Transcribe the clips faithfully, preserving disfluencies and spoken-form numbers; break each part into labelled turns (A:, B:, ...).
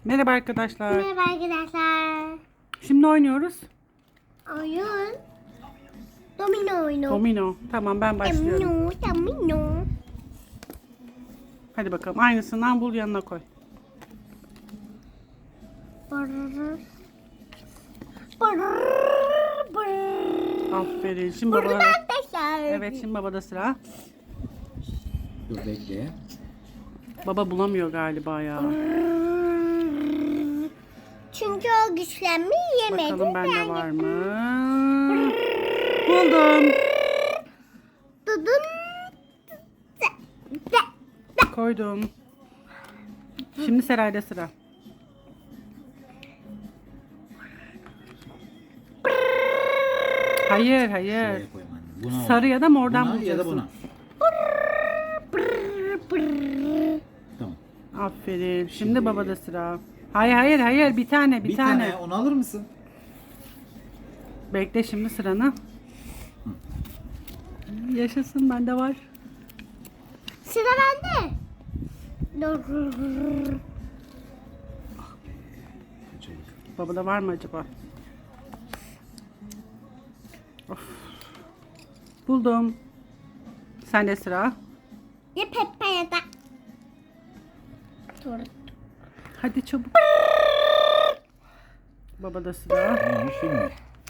A: Merhaba arkadaşlar.
B: Merhaba arkadaşlar.
A: Şimdi oynuyoruz.
B: Oyun. Domino oyunu.
A: Domino. Tamam, ben başlıyorum.
B: Domino, domino.
A: Hadi bakalım. Aynısından bul, yanına koy.
B: Brrr. Brrr, brrr.
A: Aferin. Şimdi
B: Burada
A: baba.
B: arkadaşlar.
A: Evet, şimdi babada sıra.
C: Dur bekle.
A: Baba bulamıyor galiba ya.
B: Çünkü o güçlenmeyi yemedi.
A: Bakalım bende
B: Ben
A: var mı? Buldum.
B: Dudum.
A: Koydum. Şimdi Seray'da sıra. Hayır, hayır.
C: Şuraya koyman. Buna
A: Sarı ya da mordan
C: buna ya da
A: bulacaksın.
C: buna. Tamam.
A: Aferin. Şimdi babada sıra. Hayır, hayır, hayır. Bir tane, bir,
C: Bir
A: tane.
C: tane. Onu alır mısın?
A: Bekle şimdi sıranı. Yaşasın, bende var.
B: Sıra bende. Dur.
C: Çabuk.
A: Babada var mı acaba? Of. Buldum. Sende sıra.
B: Ya Peppa ya da. Dur.
A: Hadi çabuk. Babada sıra.
C: Tamam şimdi.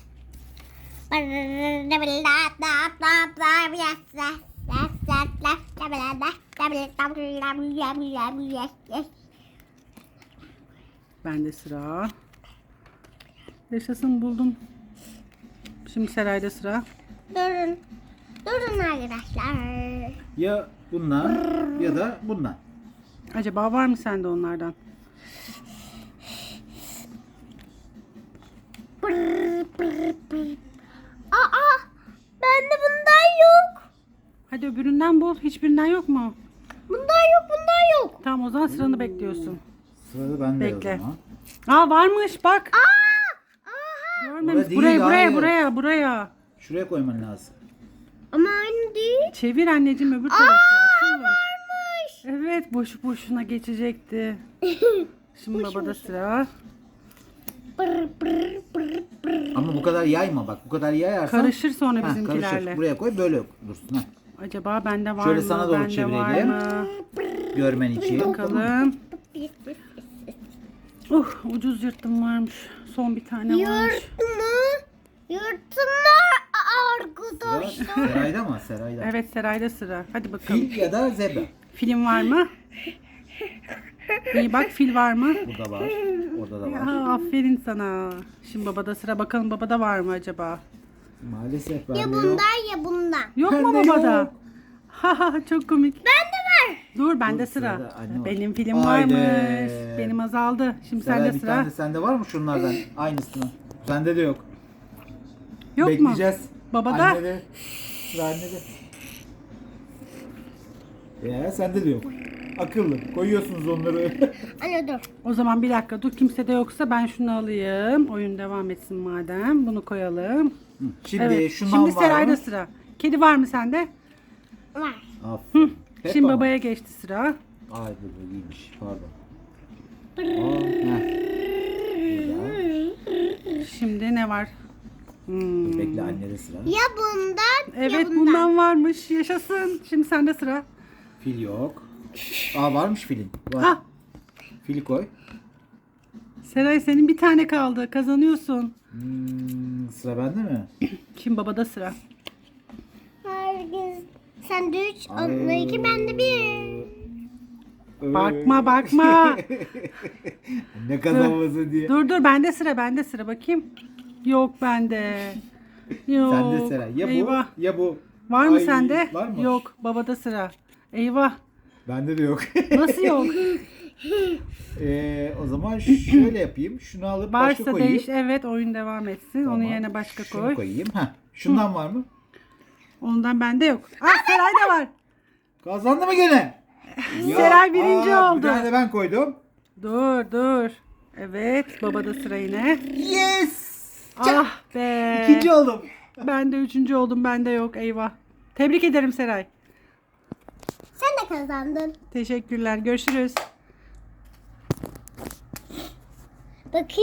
C: Bende
A: sıra. Yaşasın, buldum. Şimdi Seray'da sıra.
B: Durun. Durun arkadaşlar.
C: Ya bundan ya da bundan.
A: Acaba var mı sende onlardan?
B: Brr, brr, brr. Aa, bende bundan yok.
A: Hadi öbüründen bul. Hiçbirinden yok mu?
B: Bundan yok, bundan yok.
A: Tamam, o zaman sıranı bekliyorsun.
C: Sırada bende
A: Bekle.
C: o zaman.
A: Aa, varmış bak.
B: Aa, aha.
A: Görmemiş.
C: Orada değil,
A: Buraya, buraya,
C: hayır.
A: buraya, buraya.
C: Şuraya koyman lazım.
B: Ama aynı değil.
A: Çevir anneciğim, öbür tarafı. Akıllım.
B: Varmış.
A: Evet, boşu boşuna geçecekti. Şimdi babada sıra.
B: Brr, brr, brr, brr.
C: Ama bu kadar yayma bak. Bu kadar yayarsan.
A: Karışır sonra
C: Heh,
A: bizimkilerle.
C: karışır. Buraya koy böyle dursun. Heh.
A: Acaba bende var
C: Şöyle
A: mı?
C: sana doğru
A: Bende var
C: çevirelim.
A: mı?
C: Görmen için.
A: Bakalım. Uh, ucuz yırttım varmış. Son bir tane varmış.
B: Yırtma. Yırtma arkadaşlar.
C: Sıra Seray'da mı? Seray'da.
A: Evet, Seray'da sıra. Hadi bakalım.
C: Fil ya da zebra.
A: Film var mı? İyi bak, fil var mı?
C: Burada var. Orada da var.
A: Ya, aferin sana. Şimdi babada sıra. Bakalım babada var mı acaba?
C: Maalesef
B: Ya
C: bende yok.
B: bundan ya bundan.
A: Yok mu
C: Bende
A: babada?
C: yok.
A: Haha, çok komik.
B: Bende var.
A: Dur, bende
C: Dur,
A: sıra.
C: sırada anne var.
A: Benim film
C: Haydi.
A: varmış. Benim azaldı. Şimdi
C: Seray,
A: sende
C: bir
A: sıra.
C: tane sende var mı şunlardan? Aynısını. Sende de yok.
A: Yok mu?
C: Bekleyeceğiz.
A: Babada?
C: Annede. Sıra annede. Ya sende de yok. Akıllı. Koyuyorsunuz onları.
B: Anne dur.
A: O zaman bir dakika dur, kimse de yoksa ben şunu alayım. Oyun devam etsin madem. Bunu koyalım.
C: Hı, Şimdi
A: Evet.
C: şundan
A: Şimdi
C: var
A: Seray'da
C: mı?
A: sıra. Kedi var mı sende?
B: Var.
C: Aferin. Peppa
A: Şimdi
C: mı?
A: babaya geçti sıra.
C: Ay bu bu iyiymiş. Pardon. Aa, heh. Burada.
A: Şimdi ne var? Hmm.
C: Bekle annede sıra.
B: Ya bundan ya
A: Evet,
B: bundan.
A: bundan varmış. Yaşasın. Şimdi sende sıra.
C: Fil yok. Aa varmış filin. Var.
A: Ha,
C: Fili koy.
A: Seray, senin bir tane kaldı. Kazanıyorsun.
C: Hmm, sıra bende mi?
A: Şimdi babada sıra.
B: Herkes sen de üç,
C: Ay.
B: onunla iki, ben de bir.
A: Bakma, bakma.
C: Ne kazanması diye.
A: Dur dur, bende sıra, bende sıra. Bakayım. Yok bende. Yok.
C: Sende sıra. Ya bu
A: Eyvah.
C: ya bu.
A: Var mı
C: Ay,
A: sende?
C: Var mı?
A: Yok. Babada sıra. Eyvah.
C: Bende de yok.
A: Nasıl yok?
C: Ee, o zaman şöyle yapayım. Şunu alıp başka
A: Varsa
C: koyayım.
A: değiş. Evet, oyun devam etsin.
C: Tamam.
A: Onun yerine başka
C: Şunu
A: koy.
C: koyayım. Heh. Şundan var mı?
A: Ondan bende yok. Ah, Seray'da var.
C: Kazandı mı gene? Ya,
A: Seray birinci
C: aa,
A: oldu.
C: Bir tane de ben koydum.
A: Dur dur. Evet, babada sıra yine.
C: Yes!
A: Ah be.
C: İkinci oldum.
A: Ben de üçüncü oldum. Bende yok. Eyvah. Tebrik ederim Seray.
B: Sen de kazandın.
A: Teşekkürler. Görüşürüz.
B: Bakayım.